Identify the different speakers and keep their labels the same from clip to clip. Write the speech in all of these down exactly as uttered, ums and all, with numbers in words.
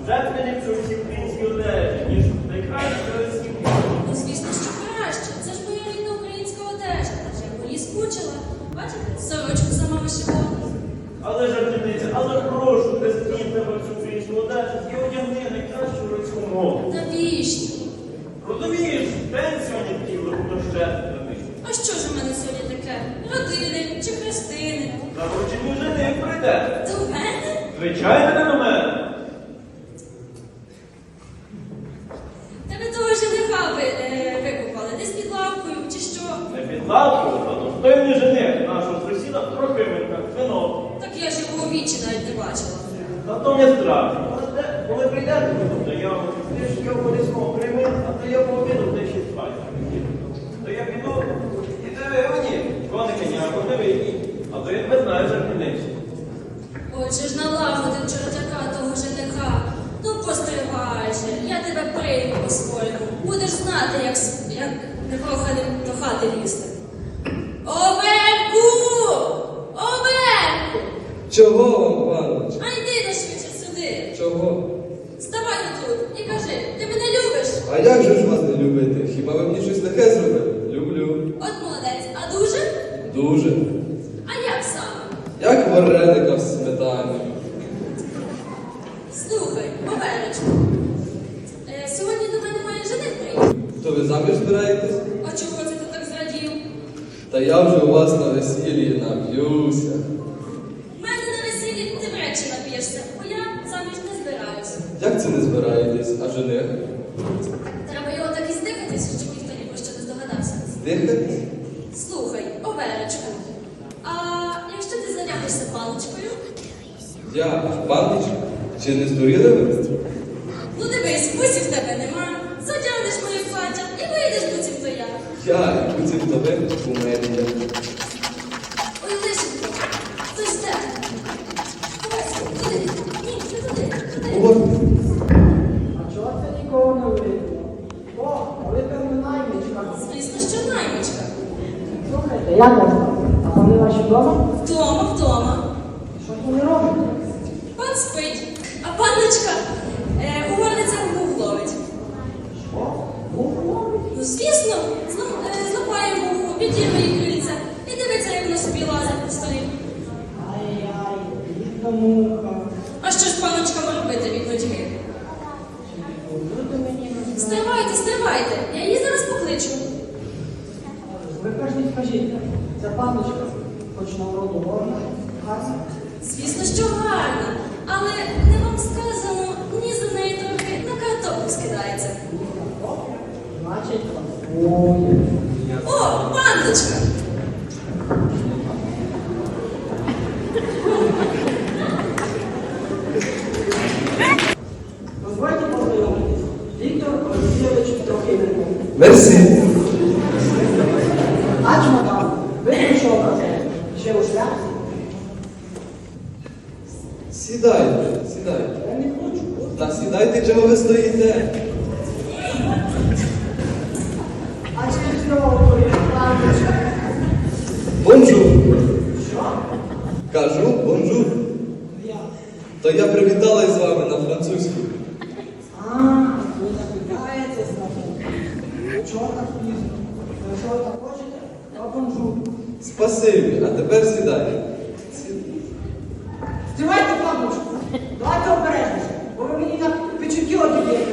Speaker 1: Вже приліпшу всі українські одежі, ніж найкращі російські.
Speaker 2: Ну, звісно, що краще. Це ж моя рідна українська одежа. Адже я по ній скучила. Бачите, сорочку сама вишивала.
Speaker 1: Але жартівниця, але прошу, присвіть тебе всю українську одежу і одягни найкращу російську мову.
Speaker 2: Навіщо?
Speaker 1: Розумієш, день сьогодні такий дощетний.
Speaker 2: А що ж у мене сьогодні таке? Родини чи хрестини?
Speaker 1: Наручені жених прийде.
Speaker 2: До мене?
Speaker 1: Звичайно, не до мене.
Speaker 2: Тебе того жениха ви, е, викупали. Десь під лавкою чи що?
Speaker 1: Не під лавкою, а достойний жених нашого сусіда Трохименка, вино.
Speaker 2: Так я ж його у вічі навіть не бачила.
Speaker 1: Зато не страшно. Але те, коли прийдете, то я ти ж його полісного прийми, а то я пообіду, де ще спать. То я піду, і тебе гоні, коника ніякого не вийдіть. А то я тебе знаю жартівницю.
Speaker 2: Отже ж налагодив чортяка того жениха. Ну постривай же, я тебе прийму по-своєму. Будеш знати, як, с- як непроханим до хати лізти. Овельку! Овельку!
Speaker 3: Чого вам, панович?
Speaker 2: А йди на швидше сюди.
Speaker 3: Чого?
Speaker 2: Ставай тут і кажи, ти мене любиш?
Speaker 3: А як же ж вас не любити? Хіба ви мені щось таке зробили? Люблю.
Speaker 2: От молодець, а дуже?
Speaker 3: Дуже.
Speaker 2: А як саме?
Speaker 3: Як вареника в сметані.
Speaker 2: Слухай, Овелечку, е, сьогодні до мене має жених приїхати.
Speaker 3: То ви заміж збираєтесь?
Speaker 2: А чого це ти так зрадів?
Speaker 3: Та я вже у вас на весіллі нап'юся.
Speaker 2: В мене на весіллі ти вречі нап'єшся, бо я заміж не збираюся.
Speaker 3: Як це не збираєтесь? А жених?
Speaker 2: Треба його так і здихатись, щоб ніхто ні про що не здогадався.
Speaker 3: Здихатись?
Speaker 2: Слухай, Овелечку, а якщо ти зайнятишся паличкою?
Speaker 3: Я панич? Чи не здуріли ви?
Speaker 2: Ну дивись, бусів в тебе нема, затягнеш моє плаття і вийдеш буцімто я.
Speaker 3: Я, буцім то ви, у мене є.
Speaker 2: Ой, лишенько, хтось де? Ховайся, туди, ні, не туди, туди.
Speaker 3: От.
Speaker 4: А чого це нікого не видно? О, ви певно наймичка.
Speaker 2: Звісно, що наймичка.
Speaker 4: Слухайте, як вас там? А вони ваші вдома?
Speaker 2: Вдома, вдома.
Speaker 4: Що ж вони роблять?
Speaker 2: Пан спить, а панночка е, у горницях мух ловить.
Speaker 4: Що? Муху ловить?
Speaker 2: Ну, звісно, зла- е, злапає муху, підірве їй крильця і дивиться, як вона собі лазить по столі.
Speaker 4: Ай-яй, бідна муха.
Speaker 2: А що ж панночка може робити від нудьги?
Speaker 4: Люди мені не знають.
Speaker 2: Стривайте, стривайте, я її зараз покличу.
Speaker 4: Ви кажіть, скажіть, ця панночка, хоч на вроду горна, гарна?
Speaker 2: Звісно, що гарно, але не вам сказано, ні за неї трохи на картоплю скидається.
Speaker 4: О, значить, ой.
Speaker 2: О, панночка!
Speaker 4: Дозвольте познайомитись. Віктор Олексійович Трохименко.
Speaker 3: Мерсі.
Speaker 4: А чмодан, ви прийшов казати, ще у шляпці?
Speaker 3: Сідайте, сідайте.
Speaker 4: Я не хочу.
Speaker 3: Та сідайте, чого ви стоїте?
Speaker 4: А через нього твоє панночка.
Speaker 3: Бонжур.
Speaker 4: Що?
Speaker 3: Кажу, бонжур.
Speaker 4: Я.
Speaker 3: То я привіталась з вами на французьку.
Speaker 4: А, ви запитаєтесь на мене. Чого так пізно? Ви що так хочете? Я бонжур.
Speaker 3: Спасибі, а тепер сідайте.
Speaker 4: Здівайте панночку. Давайте обережніше, бо ви мені на печуки одієте.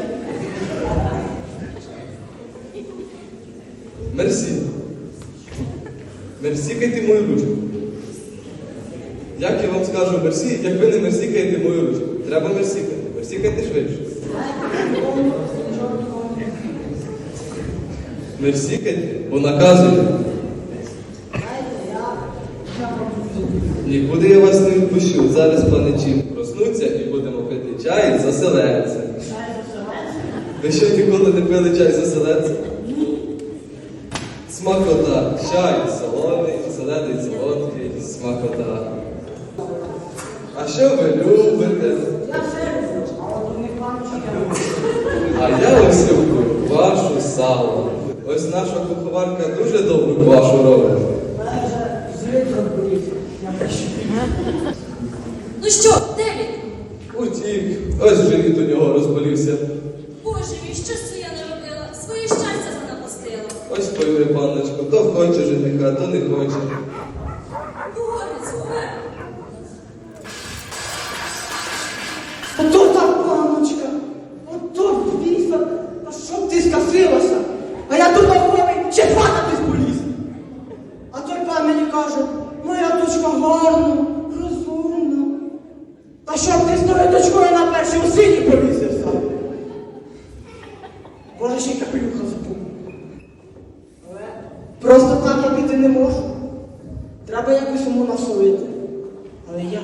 Speaker 3: Мерсі. Мерсікайте мою ручку. Як я вам скажу мерсі, як ви не мерсікаєте мою ручку? Треба мерсікати. Мерсікайте швидше. Мерсікайте, бо наказуєте.
Speaker 4: Знаєте, я... я бонжур.
Speaker 3: Нікуди я вас не відпущу. Зараз паничі проснуться і будемо пити чай з оселедцем.
Speaker 4: Чай заселенця?
Speaker 3: Ви що ніколи не пили чай з оселедцем? Смакота. Чай солоний, оселедець солодкий, смакота. А що ви любите?
Speaker 4: Я все люблю, а от у них панночка я люблю.
Speaker 3: А я ось люблю вашу сало. Ось наша куховарка дуже добру квашу робить.
Speaker 4: У мене вже злит розболівся. Я пишу.
Speaker 2: Ну що, де він?
Speaker 3: Утік. Ось живіт у нього розболівся.
Speaker 2: Боже мій, що ж це я не робила? Своє щастя занапастила.
Speaker 3: Ось пойми, панночко, то хоче жениха, то не хоче.
Speaker 2: Горицю, е?
Speaker 4: Ото так, мамочка, ото віса, а щоб ти скасилася? А я тут головий ще падати поліз. А той пан мені каже, моя дочка гарна, розумна. Та щоб ти з тою дочкою на першій у сині повісився? Боже, ще й капелюха забув. Але просто так я піти не можу. Треба якось йому насолити. Але я...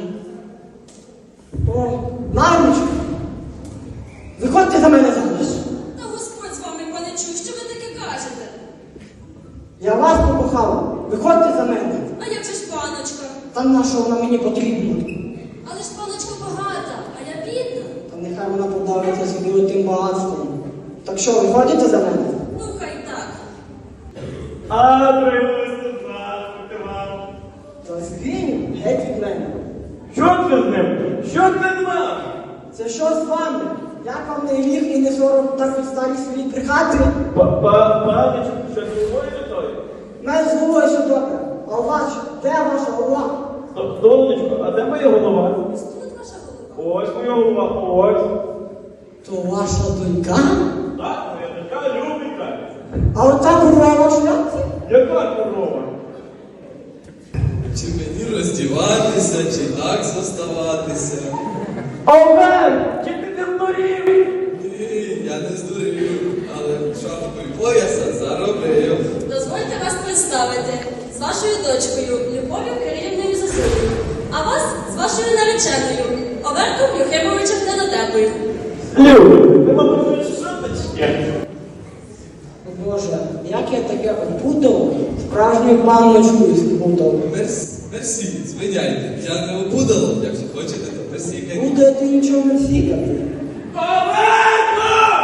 Speaker 4: О, мамочка! Виходьте за мене заміж.
Speaker 2: Та Господь з вами, пане чув, що ви таке кажете?
Speaker 4: Я вас покохала. Виходьте за мене.
Speaker 2: А як же ж паночка?
Speaker 4: Та на що вона мені потрібна?
Speaker 2: Але ж паночка багата, а я бідна.
Speaker 4: Та нехай вона подавиться собі тим багатством. Так що, виходите за мене?
Speaker 2: Ну, хай так.
Speaker 1: А, привезли, здравствуйте вам.
Speaker 4: Та звінь, геть від мене.
Speaker 1: Що це з ним? Що це з вами?
Speaker 4: Це що з вами? Як вам не гріх і не сором так від старій своїй брехати?
Speaker 1: Паночку, що з тобою готові?
Speaker 4: Мене з головою все добре. А у вас, де ваша голова?
Speaker 1: Сонечко, а де моя голова?
Speaker 2: Ось тут ваша голова.
Speaker 1: Ось моя голова, ось.
Speaker 4: То ваша донька?
Speaker 1: Так, моя дочка Любенька.
Speaker 4: А ота корова в шляпці?
Speaker 1: Яка корова?
Speaker 3: Чи мені роздіватися, чи так зоставатися?
Speaker 1: Овен, чи ти не здурів?
Speaker 3: Ні, я не здурів, але шапку і пояса заробив.
Speaker 2: Дозвольте вас представити з вашою дочкою Любов'ю Кирилівною Засулою, а вас з вашою нареченою Оверком Юхимовичем Недотепою.
Speaker 1: Люб, ти мабуть, шуточки.
Speaker 4: О Боже, як я таке опутав, справжню панночку спутав.
Speaker 3: Мерс, мерсі, звиняйте, я не обудало, якщо хочете, то мерсі.
Speaker 4: Буде ти нічого не сікати.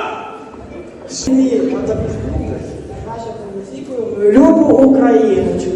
Speaker 4: Ні, а так слухай. Наша політикою любу Україночку.